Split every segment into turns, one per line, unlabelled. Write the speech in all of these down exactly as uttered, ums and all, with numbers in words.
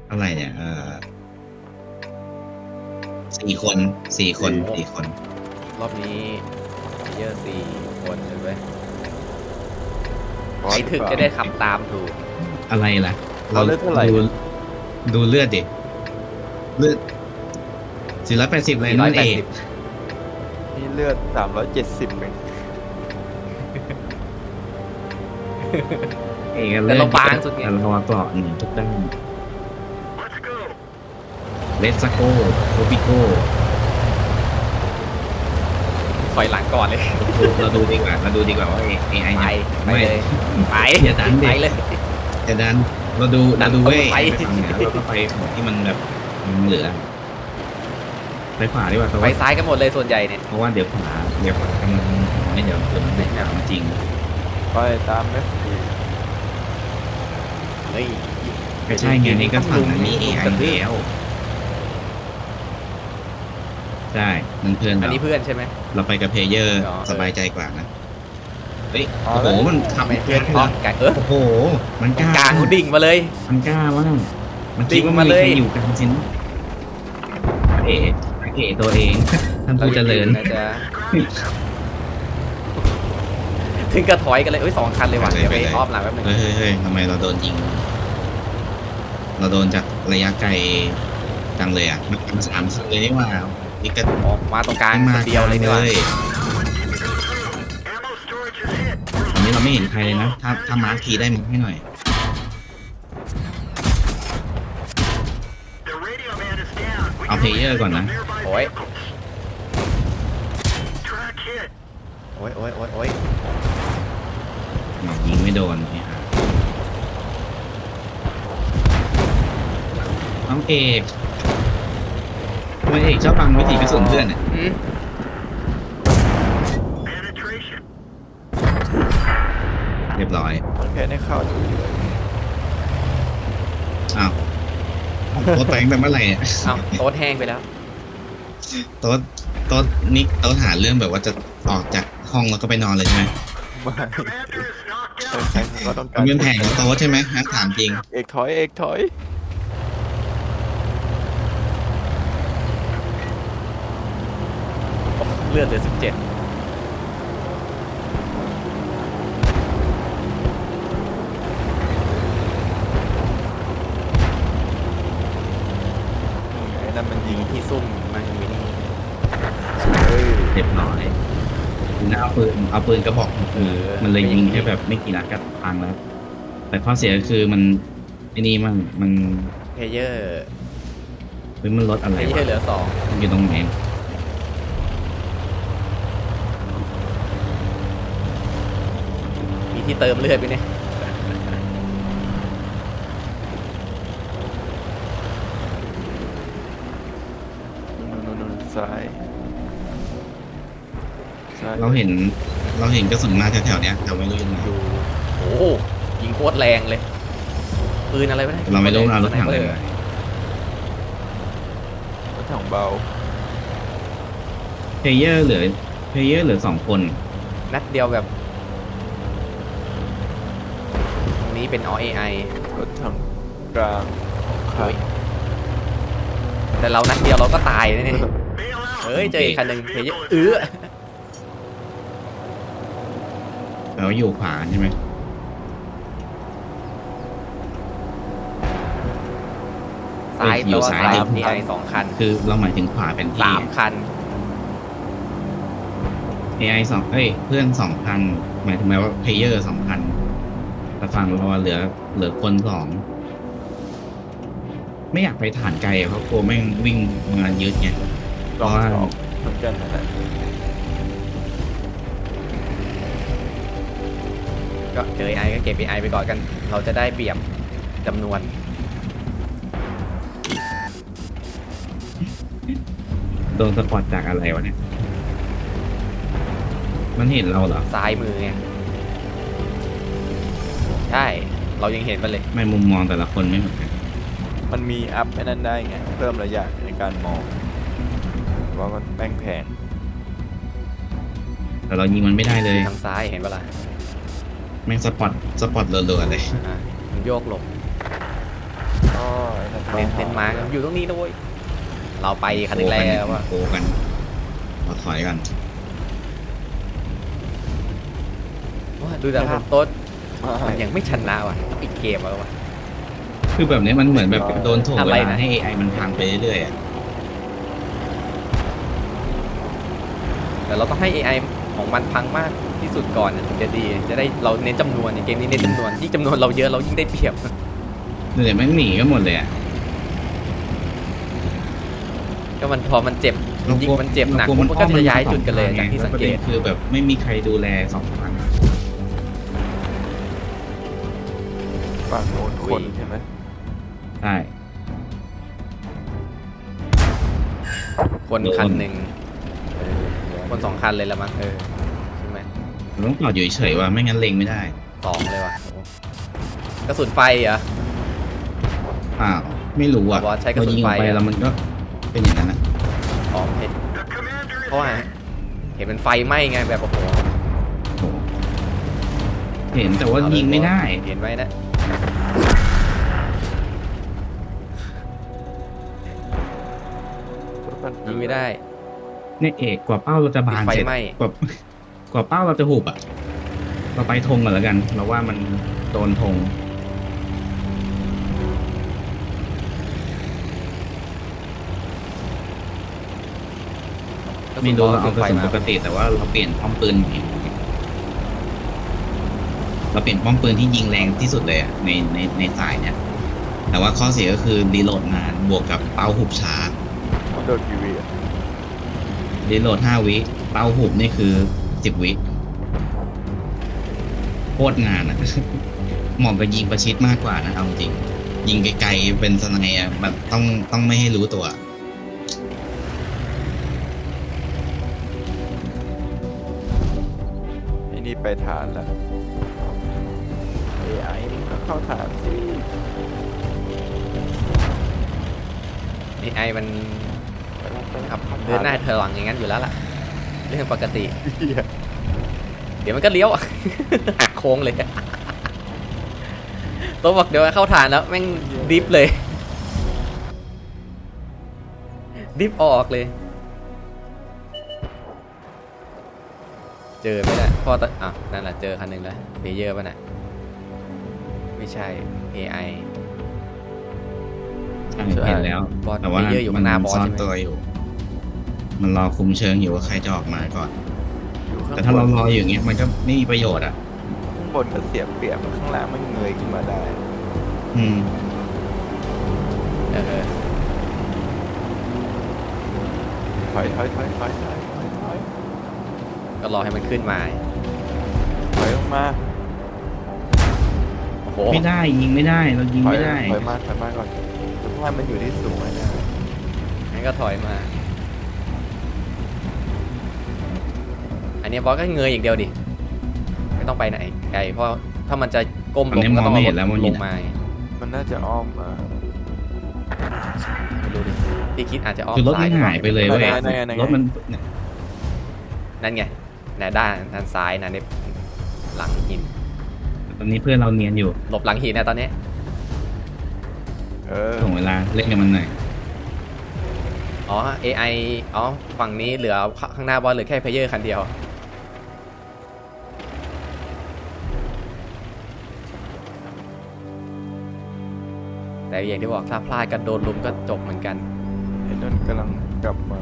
อะไรเนี่ยเออสี่คนสี่คนสี่คน
รอบนี้เยอะสี่คนเลยเว้ย
บอ
ใคร
ส
ถึงจะได้ขับตามถูก
อะไรล่ะ
เราเลือดเท่าไหร่
ดูดูเลือดดิเลือดสี่ร้อยแปดสิบเลยนั่นเอง
นี่เลือดสามร้อยเจ็ดสิบเอง
เอก
แต่เราบางสุดไง
แต่เราเกาะหนึ่งทุกด้านเลสโกโคปิโก
ถอยหลังก่อนเลย
เราดูดีกว่าเราดูดีกว่าว่า เอ ไอ
ไป
เนี่ย
ไป
ไม่
เลยไป
อย่าดันดิ
ไปเลย
จะดันเราดูเราดู
ดัน
เว้ย
ไป
ไปฝั่งเหนือเราก็ไปฝั่งที่มันแบบมันเหลือไปขวาดีกว่าเพราะ
ไป
ว่า
ซ้ายกันหมดเลยส่วนใหญ่เนี่ย
เพราะว่าเดี๋ยวขวาเดี๋ยวขวากำลังไม่เดี๋ยวเดี๋ยวมันเป็นของจริง
ไปตามเอฟดี
เฮ้ย
ไม่ใช่ไงนี่ก็ฝั่งนั้นมี เอ ไอ แล้วใช่มันเพื่อน
อัน
เรา
นี้เพื่อนใช่ไหม
เราไปกับเพลเยอร์
อ๋อ
สบายใจกว่านะเฮ้ย
อ๋อ
โอ้โห
แล้ว
มันขับ
ไม่เพื่อนอ๋อกางเออ
โอ้โหมันกล้าก
ลางเขาดิ่งมาเลย
มันกล้ามากมัน
ดิ่
คิด
ง
ว่า
มา
มันมี
เลย
ใครอยู่กลางชิ้นเอ๋เอ๋ตัวเอง ท่านผู้เจริญ
นะจ๊ะถึงกระถอยกันเลยเอ้ยสองคันเลยว่ะ
ไปเลย
เดี๋ยวไป
ไปเลย
อ้อมหลังแป๊บนึง
เฮ้ยเฮ้ยเฮ้ยทำไมเราโดนยิง เราโดนจากระยะไกลจังเลยอ่ะมันเป็นสามคันเลยนี่หว่านี่ก็
ออกมาตรงกลาง
มา
คนเดียวเลยดีกว่า
ตอนนี้เราไม่เห็นใครเลยนะ ถ้าถ้ามาร์คทีได้มาให้หน่อย เอาเพลเยอร์ก่อนนะ
โอ้ยโอ้ยโอ้ยโอ้ยโอ้ย
ยิงไม่โดนเนี่ยฮะน้องเอกทำไมเอกชอบบังวิถีกระสุนเพื่อนเนี่ย
อืม
เรียบร้อย
แค่ได้เข้าดูอยู่เลย
อ้าวโต๊ะแปลงแต่เมื่อไหร่เนี่ย
เอ้าโต๊ดแห้งไปแล้ว
โต๊ะโต๊ะนี่โต๊ะหาเรื่องแบบว่าจะออกจากห้องแล้วก็ไปนอนเลยใช่ไหม
ไม่แข่งก็ต้องการ
มันเป็นแผนของโต๊ะใช่ไหมฮะถามจริง
เอกถอยเอกถอย
เลือดเหลือสิบเจ็ด
ไอ้นั่นมันยิ
ยิ
ง
งที่ซุ่มมาอยู่นี่
เฮ้ย
เรียบร้อยน่าเอาปืนเอาปืนกระบอกคือมันเลยยิงแค่แบบไม่กี่นัดก็พังแล้ว แต่ข้อเสียก็คือมันไอ้นี่มันมัน
เพลเยอร์
เฮ้ยมันลดอะไร
เพลเยอ
วะ
ร์เหลือสอง
มันอยู่ตรงไหน
มีที่เติมเลือดไปเนี่ย
นู่นนู่นซ้ายซ้าย
เราเห็นเราเห็นกระสุนมาแถวๆเนี้ยแต่ไม่รู้ยังไง
ดูโอ้โหยิงโคตรแรงเลยปืนอะไรวะเนี่ย
เราไม่รู้เรารถถังเลย
รถถังเบา
เพลเยอร์เหลือเพลเยอร์เหลือสองคน
นัดเดียวแบบตรงนี้เป็น อ เอ ไอ
รถถังกลางขาด
แต่เรานัดเดียวเราก็ตายเลยเนี่ยเฮ้ยเจออีกคันหนึ่งเพลเยอร์เออ
แล้วอยู่ขวาใช่ไหม
ซ้าย
เอ้ยอยู่
แปลว่า
ซ้าย
ซ้าย
ดิ
มีไอสองคัน
คือเราหมายถึงขวาเป็นที่
สามคัน
เอไอสองเอ้ยเพื่อนสองพันหมายถึงแม้ว่าเพลเยอร์สองพันแต่ฝั่งเราเหลือเหลือคนสองไม่อยากไปฐานไกลอะเพราะกลัวแม่งวิ่งมายึดไง
สองสองเหมือนกันนั่นแหละ
ก็เจอไอก็เก็บไอไปก่อนกัน เราจะได้เปรียบจำนวน
โดนสปอตจากอะไรวะเนี่ย มันเห็นเราเหรอ
ซ้ายมือไงใช่ เรายังเห็นมันเลย
ไม่มุมมองแต่ละคนไม่เหมือนกัน
มันมีอัพไอ้นั่นได้ไงเพิ่มระยะในการมองว่ามันแป้งแพง
แต่เรายิงมันไม่ได้เลย
ทางซ้ายเห็นปะล่ะ
แม่งสปอตสปอตเรือๆเลย
อ่ะมันโยกหลบ
อ๋อไอ้นั่น
เน้นเน้นมาอยู่ตรงนี้นะเว้ยเราไปคันนึงแล้วว่า
โกกันขอถอยกัน
ดูแต่ภาพโต๊ดมันยังไม่ชนะว่ะอีกเกมแล้วว่ะ
คือแบบนี้มันเหมือนแบบโดนถ่วง
อะ
เว
ไร
ลา
นะ
ให้ เอ ไอ มันพังไปเรื่อยๆอะ
แต่เราต้องให้ เอ ไอ ของมันพังมากที่สุดก่อนถึงจะดีจะได้เราเน้นจำนวนในเกมนี้เน้นจำนวนยิ่งจำนวนเราเยอะเรายิ่งได้เปรียบ
เดี๋ยวแม่งหนีกันหมดเลยอ่ะ
ก็มันพอมันเจ็บยิงมันเจ็บหนักมันก็จะย้ายจุดกันเลยจากที่สังเกต
คือแบบไม่มีใครดูแลสองฝั่ง
ฝั่งโน้นคนใช่ไหม
ใช่
คนคันหนึ่งคนสองคันเลยละมั้งเออใช่ไหม
เราต้องจอดอยู่เฉยๆว่าไม่งั้นเล็งไม่ได้
สองเลยว่ะกระสุนไฟเหรอ
อ้าวไม่รู้อ่ะ
บอสใช้กระสุน
พอยิงออกไป
ไฟอะ
แล้วมันก็เป็นอย่างนั้นนะ
อ๋อเห็นเพราะว่าเห็นเป็นไฟไหม้ไงแบบโอ้โห
โอ้โหเห็นแต่ว่ายิงไม่ได้
เห็นไว้นะยิงไม่ได้
เนี่ยเอกกว่าเป้าเราจะบาน
ไฟ
เสร็จ
ไหม้
กว่ากว่าเป้าเราจะหุบอ่ะ เราไปธงกันแล้วกัน เราว่ามันโดนธงไม่รู้เราเอากระสุนปกติแต่ว่าเราเปลี่ยนป้อมปืนใหม่เราเปลี่ยนป้อมปืนที่ยิงแรงที่สุดเลยอ่ะในในในสายเนี่ย แต่ว่าข้อเสียก็คือรีโหลดนานบวกกับเป้าหุบช้า
มันโดนทีวีอ่ะ
รีโหลดห้าวิเป้าหุบนี่คือสิบวิโคตรงานอ่ะ เหมาะกับยิงประชิดมากกว่านะเอาจริงยิงไกลๆเป็นสไนอ่ะแบบต้องต้องไม่ให้รู้ตัว
ไอ้นี่ไปฐานแล้ว เอ ไอ มันก็เข้าฐานสิ
เอไอมัน
ไปแล้วไปแล้ว
ขับ
ข้ฐ
เดินหน้าเธอหลังอย่างนั้นอยู่แล้วล่ะเรื่องปกติ
เหี้ย
เดี๋ยวมันก็เลี้ยว หักโค้งเลยตัวบอกเดี๋ยวเข้าฐานแล้วแม่งดิฟเลยดิฟออกเลย เจอไหมนะพ่อตอ่ะนั่นแหละเจอคันหนึ่งแล้วเพเยอร์ป่ะน่ะไม่ใช่ เอ ไอ
ใช่เห็นแล้ว
บอส
แต่ว่า
เพเยอร์อยู่ข้างหน้าบอส
ซ่อน
ใช่ไหม
ตัวอยู่ มันรอคุมเชิงอยู่ว่าใครจะออกมาก่อน
อยู่ข้ง
แต่ถ้าเรา
บน
รออยู่อย่างเงี้ยมันก็ไม่มีประโยชน์อ่ะ
ข้างบนก็เสียเปรียบข้างล่างมันเงยขึ้นมาได้
อืม
เออ
ถอยถอยถอยถอยถอยถอยถอย
ก็รอให้มันขึ้นมา
ถอยลงมา
โอ้โห
ไม่ได้ยิงไม่ได้เรายิง
ถอย
ไม่ได้
ถอยมาถอยมาก่อนเพราะว่ามันอยู่ที่สูงนะ
งั้นก็ถอยมา อันนี้บอสก็เงยอย่างเดียวดิไม่ต้องไปไหนไกลเพราะถ้ามันจะก้มลงก็ต้องเอารถลงมา
มันน่าจะอ้อมมา
ไม่รู้ดิที่คิดอาจจะอ้อม
คือรถ
ซ้า
มั
ย
นหายไปเลยเว้ย
นั่นไงนั่นไง
รถมันเนี่ย
นั่นไงน่ะด้านด้านซ้ายนะในหลังหิน
ตอนนี้เพื่อนเราเนียนอยู่
หลบหลังหินนะตอนนี้
เออ
ส่งเวลาเล่นกับมันหน่อย
อ๋อ เอ ไอ อ๋อ ฝั่งนี้เหลือข้างหน้าบอสเหลือแค่เพลเยอร์คันเดียว แต่อย่างที่บอกถ้าพลาดกันโดนลุมก็จบเหมือนกัน
ไอ้นั่นกำลังกลับมา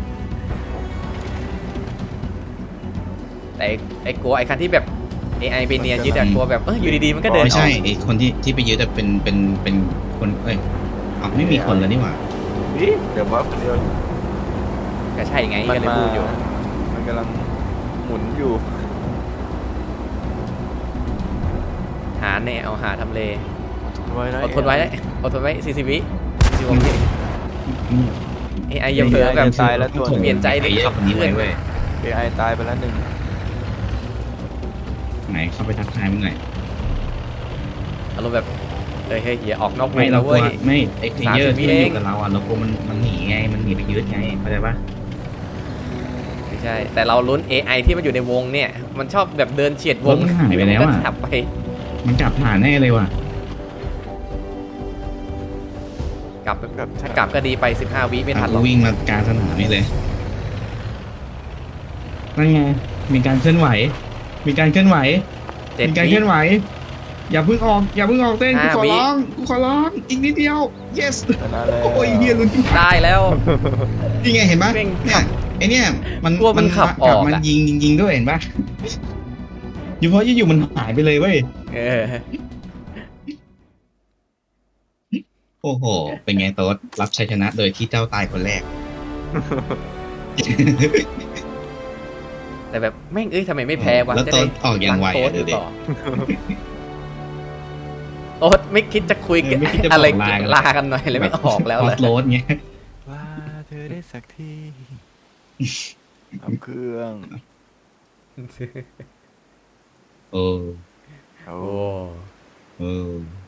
แต่ไอ้ไอ้กลัวไอ้คันที่แบบ เอ ไอ ไปเนียนยึดอะกลัวแบบเอออยู่ดีๆมันก็เดินอ
ไม่
อก
ใช่ไอ้คนที่ที่ไปยึดอะเป็นเป็นเป็นคนเอ้ยอ๋อไม่มีคนแล้วนี่หว่า
เดี๋ยวว่าคนเดียว
ก็ใช่ไงก็เลยพูดอยู่
มันกำลังหมุนอยู่
หาแน่เอาหาทำเล
ไว้นะ
อดทนไว้อดทนไว้สี่สิบวิสิบวิ
อืม
เอไออย่าเผลอแบบ
ตายแล้วตัว
เปลี่ยนใจดิ
ไอ้เย
ขั
อะ
บ
คนนี้
เพื่
เล
อน
ยเว้ย
เอไอตายไปแล้วหนึ่ง
ไหนเข้าไปทักทายมึงหน่อย
อารมณ์แบบเฮ้ยเฮ้ยอย่าออกนอกว
ไม่
ง
เรา
นะ
กลั
เว้
วย ไม่ไอ้เพลเยอร์
สามสิบวิ
ที่มันอ
เอง
ยู่กับเราอ่ะเรากลัวมันมันหนีไงมันหนีไปยึดไงเข้าใจปะ
ไม่ใช่ แต่เราลุ้น เอ ไอ ที่มันอยู่ในวงเนี่ย มันชอบแบบเดินเฉียดว
รง ถมันหายไปแล้ว
ก็
อ่ะ
ขับไป
มันจับผ่านแน่เลยว่ะ
กลับถ้ากลับก็ดีไปสิบห้าวิไม่ทันหรอก
วิ่งมากลางสนามนี่เลยนั่นไงมีการเคลื่อนไหว มีการเคลื่อนไหว
เจ็ด
มีการ
วิ
เคลื่อนไหว อย่าเพิ่งออก อย่าเพิ่งออกเต้นกู
ห้า
ขอ
วิ
ร้องกูขอร้องอีกนิดเดียว yes
ชนะแล้ว
โอ้ยเฮียลุ้นที่
ได้แล้ว
นี่ไงเห็นปะ
เร่ง
เนี่
ขั
ย
บ
ไอเนี่ยมัน
กลัวมันขับออก
มัน
อะ
ยิงยิงยิงด้วยเห็นปะอยู่เพราะอยู่ๆมันหายไปเลยเว้ย
เออ
โอ้โห เป็นไงโต๊ดรับชัยชนะโดยที่เจ้าตายคนแรก
แต่แบบแม่งเอ้ยทำไมไม่แพ้วะ
แล้ว
จะ
โต๊
ได้
ดออกอย่างไว
โต๊
อะ
ด
ดูดิ
ต่อโต๊ดไม่คิดจะคุยกัน
เออไม่คิดจะบอก
อะไร
ลากัน
ลากันหน่อยเลยไม่ออกแล้ว
ออ
เลย
ฟโรดเงี้ย
ว่าเธอได้สักทีทำเครื่อง
โอ้
โอ้
โอ้
โอ้